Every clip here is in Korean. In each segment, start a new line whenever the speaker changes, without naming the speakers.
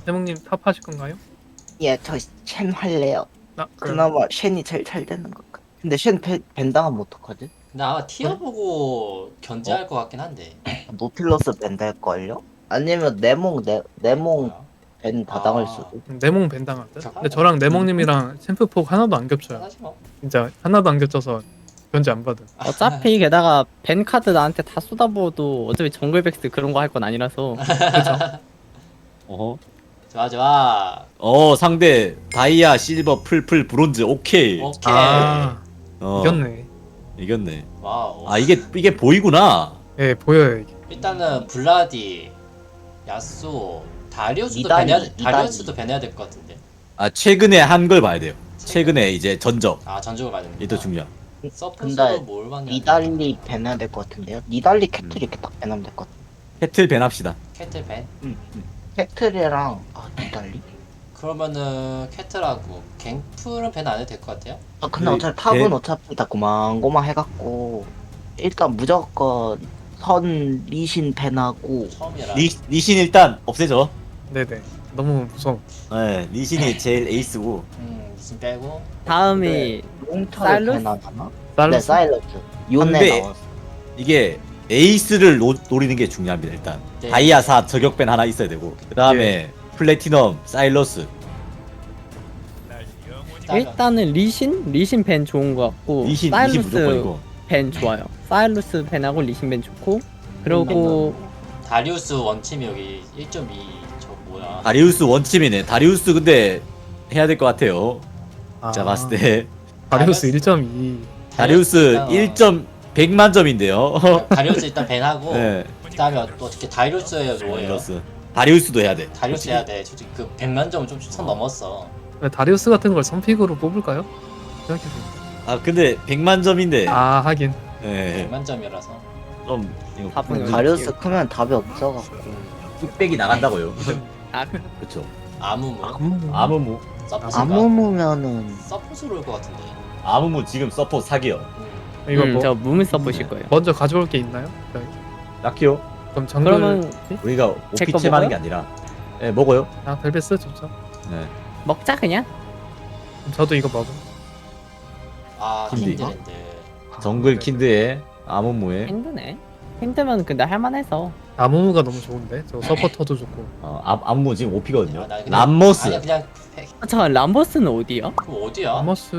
태몽님 탑 하실 건가요?
예, 저 쉔 할래요.
그럼
그나마 쉔이 제일 잘 되는 것 같아. 근데 쉔 밴당하면 어떡하지?
근데 아마 티어 보고 견제할 것 같긴 한데.
노틸러스 밴달걸요? 아니면 네몽
뭐야?
밴 다 당할
아.
수도.
네몽 벤당할 듯?
저-
근데 저랑 네몽님이랑 챔프폭 하나도 안 겹쳐요.
편하지 뭐.
진짜 하나도 안 겹쳐서 견제 안 받은.
어차피 게다가 벤 카드 나한테 다 쏟아부어도 어차피 정글백스 그런 거 할 건 아니라서.
어허.
좋아 좋아.
상대 다이아, 실버, 풀, 브론즈. 오케이.
오케이.
아
어,
이겼네.
이겼네.
와우.
아 이게 보이구나.
예 보여요 이게.
일단은 블라디, 야수, 다리우스도
이달리,
배내야
이달리.
다리우스도 배내야 될 것 같은데.
아 최근에 한 걸 봐야 돼요. 최근에 이제 전적.
아 전적을 받는.
이게 더 중요한.
서포스로
근데
뭘 받냐?
니달리 밴해야 될 것 같은데요? 니달리 캐틀 이렇게 딱 밴하면 될 것 같아.
캐틀 밴합시다.
캐틀 밴?
캐틀이랑 니달리?
그러면은 캐틀하고 갱플은 밴 안 해도 될 것 같아요?
아 근데
그
어차피 탑은
개-
어차피 다 고만고만 해갖고 일단 무조건 선 리신 밴하고
처음이라.
리신 일단 없애줘.
네네. 너무 무서워.
네, 리신이 제일 에이스고.
무슨 빼고.
다음이
롱터를
사일러스?
밴하잖아?
쌀로
네 사일러스 요네
근데
나왔어.
이게 에이스를 노리는 게 중요합니다. 일단
네.
다이아 4 저격밴 하나 있어야 되고 그 다음에 플래티넘, 사일러스.
일단은 리신 벤 좋은 거 같고
리신
사일루스
무조건이고.
벤 좋아요. 사일루스 벤하고 리신 벤 좋고 그리고
다리우스 원팀이 여기 1.2 저 뭐야?
다리우스 원침이네. 다리우스 근데 해야 될 것 같아요. 제가 봤을 때
다리우스 1.2.
다리우스
일단,
1점 100만 점인데요.
다리우스 일단 밴하고.
네,
그다음에 또 어떻게 다리우스예요 뭐예요?
다리우스. 다리우스도 해야 돼.
다리우스 해야 돼. 솔직히 그 100만 점은 좀 선 넘었어.
다리우스 같은 걸 선픽으로 뽑을까요? 생각해보니까.
아 근데 100만 점인데.
아 하긴.
네,
100만 점이라서.
좀 이거
답은 여기
다리우스
있어요.
크면 답이 없어갖고
뚝배기 나간다고요.
아,
그렇죠.
아무무.
아무무.
서포스가
아무무면은
서포스로 올 것 같은데.
아무무 지금 서포 사기요.
이거 뭐
저 무문 써보실 거예요.
먼저 가져올 게 있나요? 네.
딱히요.
그럼 정글.
그러면
우리가
제거
오피챔 하는
먹어요?
게 아니라. 네, 먹어요.
아 벨베스 좋죠.
네.
먹자 그냥.
그럼 저도 이거 먹어.
아
킨드.
킨드랜드.
정글 킨드에 아무무에
힘드네. 힘들면 근데 할만해서.
아무무가 너무 좋은데. 저 서포터도 좋고.
아무무 지금 OP거든요.
아, 나 그냥-
람모스.
아니 그냥
잠깐 람버스는 어디야?
그럼 어디야?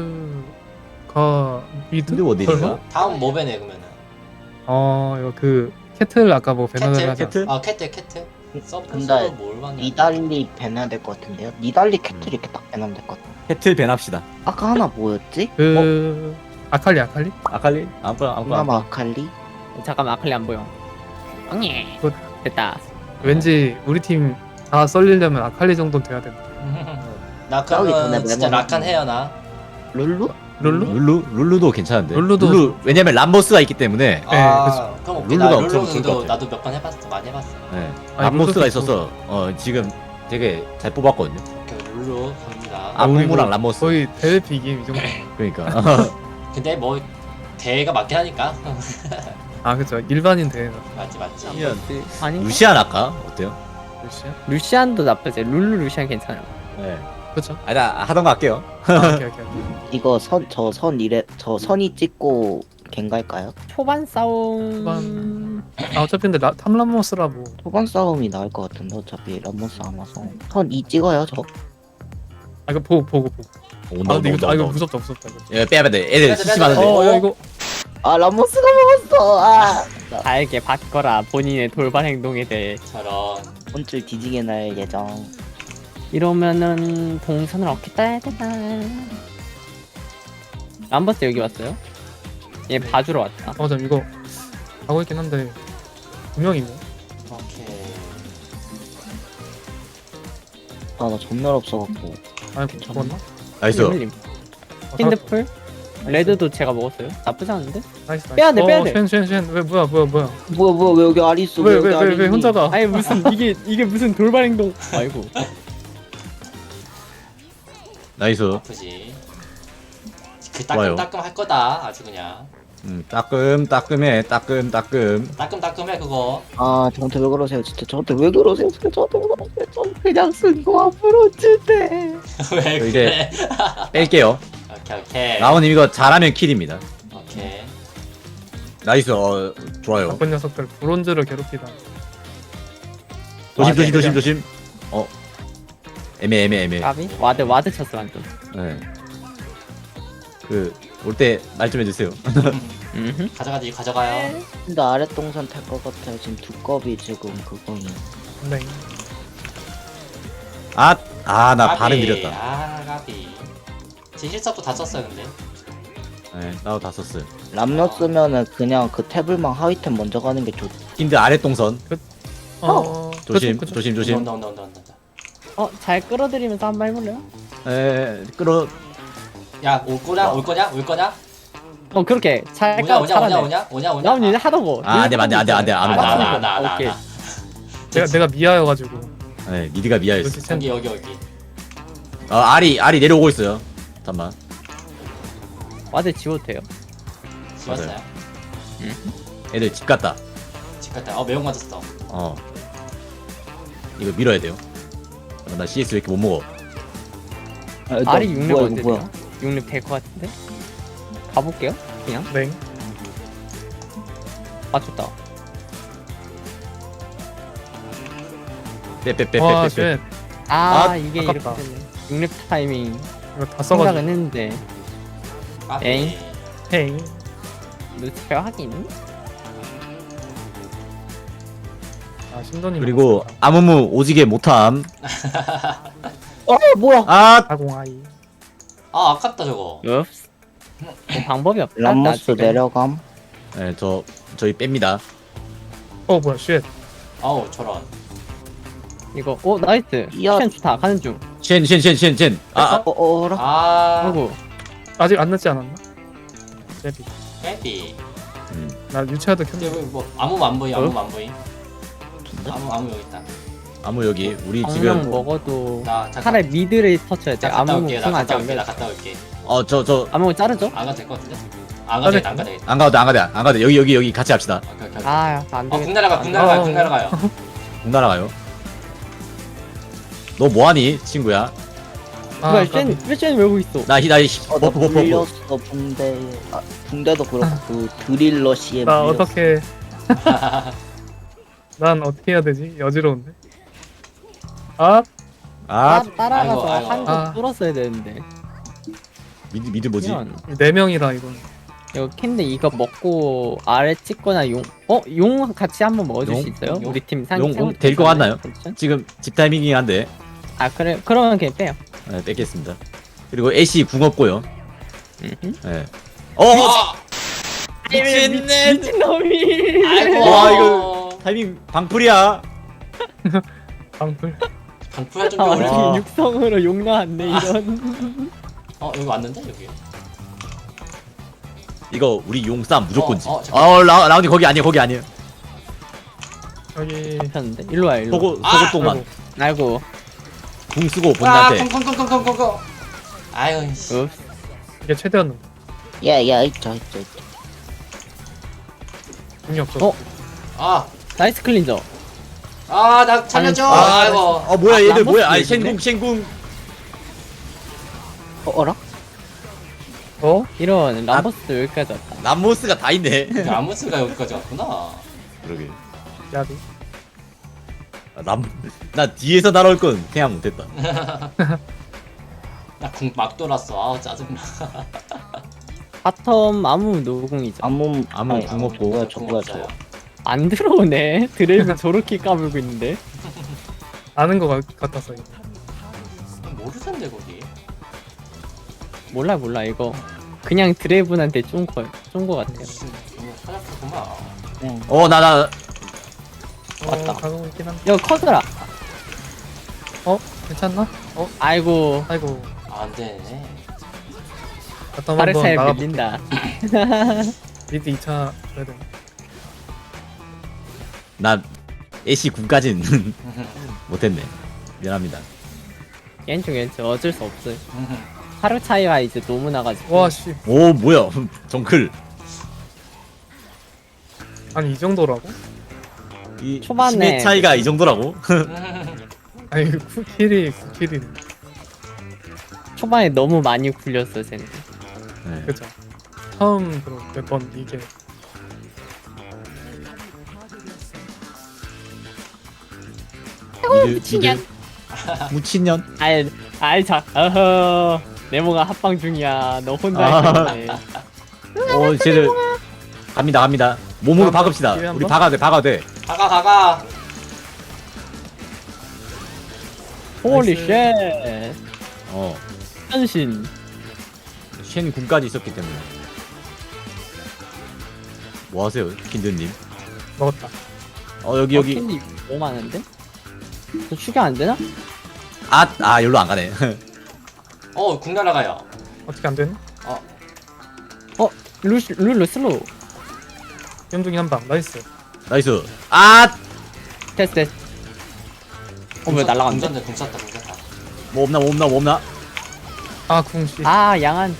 아머스가 미드?
근데 어디인가?
설마?
다음 뭐 배네 그러면은.
이거 그 캐틀 아까 뭐 배너를
캐틀?
하자.
캐틀?
아 캐틀. 서포스로
근데
뭘 받냐?
니달리 밴해야 될 것 같은데요? 니달리 캐틀 이렇게 딱 밴하면 될 것 같아.
캐틀 밴합시다.
아까 하나 뭐였지?
그 아칼리.
아칼리? 아무거나
그나마 아칼리?
잠깐만 아칼리 안 보여. 엉예.
굿.
됐다.
왠지 우리 팀 다 썰리려면 아칼리 정도는 돼야 된다.
나
싸우기 전에
그러면 진짜
메모리.
락한 해요 나.
룰루?
룰루?
룰루도 괜찮은데.
룰루도
룰루 왜냐면 람모스가 있기 때문에.
아 그럼 오케이. 나
룰루가 엄청 좋을 것
룰루도
같아.
나도 몇 번 해봤어. 많이 해봤어.
네.
아니,
람모스가
룰루도
있어서 지금 되게 잘 뽑았거든요.
오케이 룰루 갑니다.
아무무랑 람모스.
거의 대회 비김 이 정도.
그러니까.
근데 뭐 대회가 맞긴 하니까.
아 그쵸. 일반인 대회가.
맞지.
람버스 아니
루시안 할까? 어때요?
몇시야?
루시안도 나쁘지. 룰루 루시안 괜찮아요.
네.
그쵸.
아니 나 하던 거 할게요.
오케이.
이거 저 선이 찍고 갱갈까요?
초반 싸움.
초반. 아 어차피 근데 탐람모스라 뭐.
초반 싸움이 나을 것 같은데 어차피 람모스 안 와서 선 2 찍어요 저.
아 이거 보고.
온다
아 근데 이거
온다.
무섭다. 이거.
야, 빼야 돼. 애들
빼야 돼,
심심하는데.
빼야 돼.
야 이거.
아 람모스가 먹었어. 아
달게 받거라 본인의 돌발 행동에 대해.
저런.
혼쭐 뒤지게 날 예정.
이러면은 동선을 어떻게 따야 되나? 람버스 여기 왔어요? 얘 봐주러 왔다.
잠 이거 하고 있긴 한데 분명히 있네.
오케이.
아 나 전멸 없어갖고.
아이고 죽었나?
나이스.
힐님. 힌드풀? 레드도 제가 먹었어요. 나쁘지 않은데?
나이스.
빼야 돼, 빼야 돼.
쉔. 왜 뭐야?
뭐야 왜 여기 아리 있어?
왜
여기 아리
왜
있니?
혼자가?
아니 무슨 이게 무슨 돌발 행동? 아이고.
나이스.
아프지. 그
좋아요.
따끔따끔 할 거다. 아주 그냥.
따끔해.
따끔따끔해 그거.
아 저한테 왜 그러세요 진짜 저한테 왜 그러세요 진짜 저한테 왜 그러세요 저 그냥 쓴 거 앞으로 주대.
왜
저
그래?
이제 뺄게요.
오케이.
라온님 이거 잘하면 킬입니다.
오케이.
나이스. 좋아요.
나쁜 녀석들 브론즈를 괴롭히다.
조심. 애매.
까비? 와드 쳤어 완전.
네. 그 올 때 말 좀 해주세요.
가져가요.
근데 아래 동선 탈 것 같아요 지금 두꺼비 지금 그거는.
네.
나
까비.
발음 느렸다.
아 가비. 제 힐석도 다 썼어요 근데.
네, 나도 다 썼어요.
람너 쓰면은 그냥 그 태블망 하위템 먼저 가는 게 좋.
힌드 아래 동선. 조심.
온다.
잘 끌어들이면서 한번 해볼래요?
끌어.
야 올 거냐?
그렇게 잘
오냐?
잘하네. 나온 일 하다고.
안 돼.
나.
오케이.
내가 미아여가지고.
네, 미드가 미아였어.
그렇지
여기.
알이 내려오고 있어요. 잠깐만.
와드 지워도 돼요?
좋았어요.
애들 집 갔다.
집 갔다. 매운 맞았어.
이거 밀어야 돼요. 나 CS 왜 이렇게 못 먹어?
알이 6렙
뭐야,
언제
이거 뭐야?
돼요? 6렙 될 것 같은데? 가볼게요 그냥.
네.
맞췄다.
와,
빼.
쉣.
이게
아깝다.
이렇게 되네. 6렙 타이밍
이거 다
생각은
써가지고.
했는데
까비.
에잉.
헤이.
루스페어 하긴.
아, 신도님.
그리고 아무무 오지게 못함.
뭐야?
아공아이.
아 아깝다 저거.
읍스. 방법이 없다.
람머스
아직은.
내려감.
네, 저희 뺍니다.
뭐야, 쉣.
아우 저런.
이거 나이스.
야.
션 좋다. 가는 중.
쉔.
어라?
아이고.
아직 안 늦지 않았나? 레비.
빼비.
나 유치하드
근데
켰는데.
뭐 아무 안 보임. 아무 여기 있다.
아무 여기 우리
방금
지금
먹어도
나 잠깐.
차라리 미드를 터쳐야 돼.
갔다
아무
올게.
무슨 아직 안
나
돼.
갔다 올게.
저
아무 자르죠?
안 가도 될 것 같은데? 안 가도 안 가도
안 가도 여기 같이 합시다.
오케이.
안 돼.
국 날아가요.
공 날아가요. 너 뭐하니 친구야?
뭐야,
까비.
쉔 외우고 있어.
나
나
버프.
불렸어 붕대. 붕대도 그렇고 그 드릴러 씨에
나
물렸어.
어떻게. 난 어떻게 해야 되지? 여지러운데.
따라가서
아이고.
한국 뚫었어야 되는데.
미드 뭐지?
그냥
네 명이라 이건.
이거 캔데 이거 먹고 아래 찍거나 용 같이 한번 먹어줄
용?
수 있어요?
용?
우리 팀
용 될 것 같나요? 지금 집 타이밍이긴 한데
그래 그러면 그냥 빼요.
네, 뺏겠습니다. 그리고 애쉬 궁 없고요. 네.
미친놈이.
아이고.
와, 이거 타이밍 방풀이야.
방풀.
방풀할 좀
아,
어려.
와.
우리 육성으로 용 나왔네 이런.
여기 왔는데 여기.
이거 우리 용 싸움 무조건지.
잠깐만.
라운드 거기 아니에요.
여기.
잡혔는데 일로 와 일로.
소고 동만
아이고.
궁 쓰고 본인한테.
콩콩콩콩콩콩콩. 아유 씨.
읍.
이게 최대였는데.
야야 있죠.
궁이 없어.
아.
나이스 클린저.
나 살려줘. 아이고.
뭐야 얘들 뭐야?
람버스
쉔궁.
어라?
이런 람버스 여기까지 왔다.
람모스가 다 있네.
아무스가 여기까지 왔구나.
그러게.
야비.
나 뒤에서 날아올 건 생각 못했다.
나 궁 막 돌았어. 아우 짜증나.
바텀 아무 노궁이죠.
아무
궁 없고.
뭐야
궁
저거야
없어요.
저거.
안 들어오네. 드레이브 저렇게 까불고 있는데.
아는 거 같았어. 이거.
모르던데 거기.
몰라 이거. 그냥 드레이브한테 쫀거 같아요.
너무 사납구만.
나
맞다.
가고 있긴 한데.
이거 커서라.
괜찮나?
아이고.
아이고.
안 되네.
바텀 한번
바르사에
나가.
밀린다.
미드 2차 그래야 돼.
나 애쉬 궁까진 못했네. 미안합니다.
왼쪽 어쩔 수 없어요. 하루 차이가 이제 너무 나가지고.
와 씨.
오 뭐야 정클.
아니 이 정도라고?
이
초반에-
힘의 차이가 이 정도라고?
아니 9킬이 9킬이
초반에 너무 많이 굴렸어 쟤는.
네.
그죠. 처음으로 몇 번 이게
미친년. 무친년.
아이 자, 어허, 네모가 합방 중이야. 너 혼자
아.
했네.
쟤들 갑니다. 몸으로
한번
박읍시다.
기회 한
우리
번?
박아야 돼.
가가.
홀리
나이스.
쉣.
어.
현신.
쉔 군까지 있었기 때문에. 뭐 하세요, 킨드님?
먹었다.
여기.
캔디 너무 많은데? 저 추격 안 되나?
여기로 안 가네.
궁 날아가요.
어떻게 안 되나?
룰루 슬로우.
연중이 한 방. 나이스.
나이스.
됐어. 왜 날라갔는데?
궁 쐈다.
뭐 없나?
아 궁씨.
아 양한.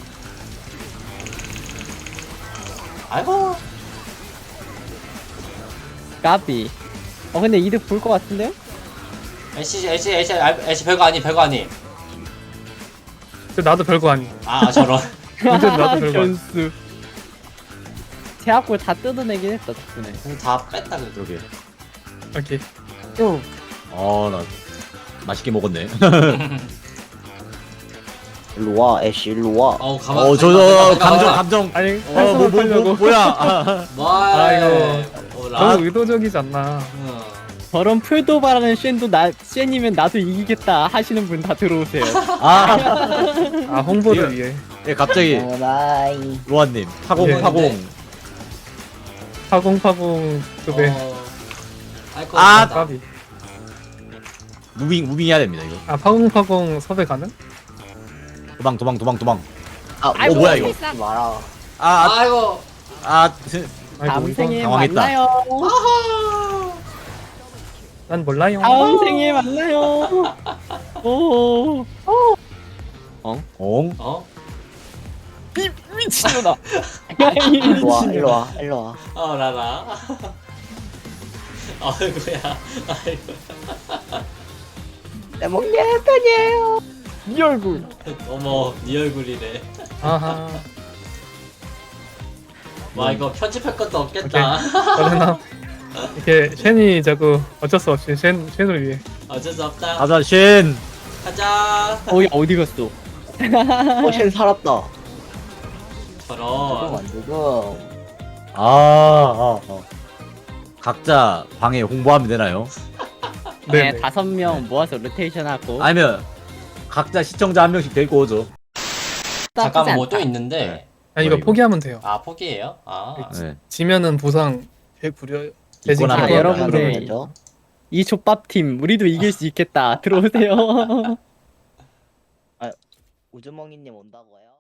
아이고.
까비. 근데 이득 볼 것 같은데요?
애쉬 별거 아니.
나도 별거 아니.
아 저런.
완전 나도 별거 아니.
변수. 제압골 다 뜯어내긴 했다 덕분에.
다 뺐다 그래도.
여기.
오케이.
나 맛있게 먹었네.
일로 와 애쉬 일로 와.
가만.
감정.
아니 활성화 하려고.
뭐야?
너무 의도적이지 않나.
저런 풀도발하는 쉔이면 나도 이기겠다 하시는 분 다 들어오세요.
아 홍보를 위해.
예, 갑자기
나이.
로아님 파공.
예. 파공 급에.
아이고.
까비.
무빙 해야 됩니다 이거.
아 파공 섭외 가능?
도망.
아
뭐야 이거?
마라.
아이고.
아이고
다음 생에
이건
당황했다.
만나요.
난 몰라요.
다음 생에 만나요. 오.
엉.
미친놈아.
일로 와.
라라. 아이고야. 아이고.
내 먹는 편이에요.
네 얼굴.
어머, 네 얼굴이래.
아하.
와 이거 편집할 것도 없겠다.
그러나 이렇게 쉔이 자꾸 어쩔 수 없이 쉔을 위해.
어쩔 수 없다.
가자 쉔.
가자.
야 어디 갔어?
쉔 살았다.
저런.
안 되고.
각자 방에 홍보하면 되나요?
네,
네.
5명 모아서 로테이션 하고.
아니면 각자 시청자 한 명씩 데리고 오죠.
잠깐만 뭐 또 있는데.
아니 이거
이거?
포기하면 돼요.
아 포기해요?
네.
지면은 보상 100 부려.
있거나
대신
말이야.
여러분들.
되죠?
이 족밥팀 우리도 이길 수 있겠다. 들어오세요.
우주멍이님 온다고요?